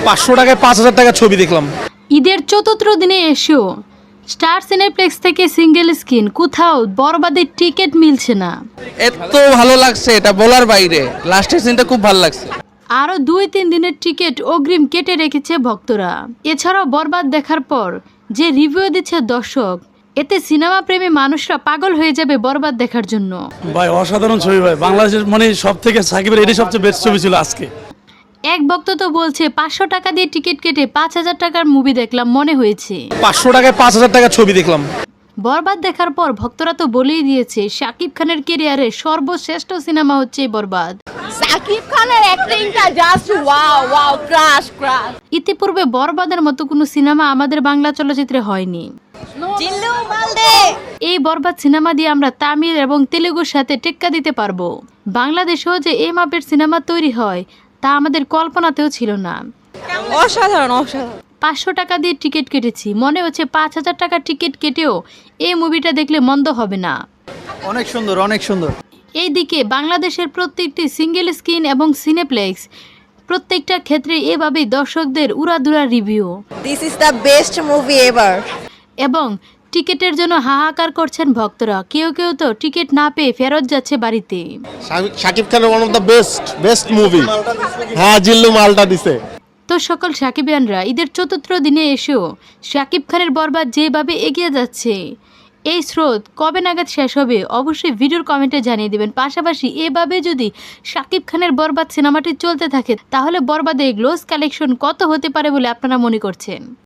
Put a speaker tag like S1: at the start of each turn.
S1: 500 টাকায় 5,000 টাকা ছবি দেখলাম।
S2: ঈদের চতুর্থ দিনে এসেও স্টার সিনেপ্লেক্স থেকে সিঙ্গেল স্ক্রিন কোথাও বরবাদের টিকিট মিলছে না।
S3: এত ভালো লাগছে, এটা বলার বাইরে। লাস্টের সিনটা খুব ভালো লাগছে।
S2: আরও 2-3 দিনের টিকিট অগ্রিম কেটে রেখেছে ভক্তরা। এছাড়াও বরবাদ দেখার পর যে রিভিউ দিচ্ছে দর্শক, এতে সিনেমা প্রেমী মানুষরা পাগল হয়ে যাবে বরবাদ দেখার জন্য।
S4: ভাই অসাধারণ ছবি ভাই, বাংলাদেশের মানে সব থেকে সাকিবের এটাই সবচেয়ে বেস্ট ছবি ছিল আজকে।
S2: এক ভক্ত তো বলছে 500 টাকা দিয়ে টিকিট কেটে 5,000 টাকার মুভি দেখলাম মনে হয়েছে।
S1: 500 টাকায় 5,000 টাকা ছবি দেখলাম।
S2: বরবাদ দেখার পর ভক্তরা তো বলেই দিয়েছে শাকিব খানের ক্যারিয়ারে সর্বশ্রেষ্ঠ সিনেমা হচ্ছে বরবাদ।
S5: সাকিব খানের অ্যাক্টিংটা just wow wow, crush crush.
S2: ইতিপূর্বে বরবাদের মতো কোনো সিনেমা আমাদের বাংলা চলচ্চিত্রে হয়নি।
S5: জিল্লু মালদে।
S2: এই বরবাদ সিনেমা দিয়ে আমরা তামিল এবং তেলেগুর সাথে টেক্কা দিতে পারবো। বাংলাদেশেও যে এই মাপের সিনেমা তৈরি হয় তা আমাদের কল্পনাতেও ছিল না।
S5: অসাধারণ অসাধারণ।
S2: 500 টাকা দিয়ে টিকিট কেটেছি, মনে হচ্ছে 5,000 টাকার টিকিট কেটেও এই মুভিটা দেখলে মন্দ হবে না।
S1: অনেক সুন্দর, অনেক সুন্দর।
S2: এইদিকে বাংলাদেশের প্রত্যেকটি সিঙ্গেল স্ক্রিন এবং সিনেপ্লেক্স প্রত্যেকটা ক্ষেত্রে এভাবেই দর্শকদের উড়াধুরা review
S5: this is the best movie ever.
S2: এবং টিকিটের জন্য হাহাকার করছেন ভক্তরা। কেউ কেউ তো টিকিট না পেয়ে ফেরত যাচ্ছে বাড়িতে।
S6: শাকিব খানের one of the best movie. হ্যাঁ, জিল্লু মালটা দিছে।
S2: তো সকল সাকিবিয়ানরা ঈদের চতুর্থ দিনে এসেও শাকিব খানের বরবাদ যেভাবে এগিয়ে যাচ্ছে, এই স্রোত কবে নাগাদ শেষ হবে অবশ্যই ভিডিওর কমেন্টে জানিয়ে দেবেন। পাশাপাশি এভাবে যদি শাকিব খানের বরবাদ সিনেমাটি চলতে থাকে তাহলে বরবাদে গ্লোস কালেকশন কত হতে পারে বলে আপনারা মনে করছেন?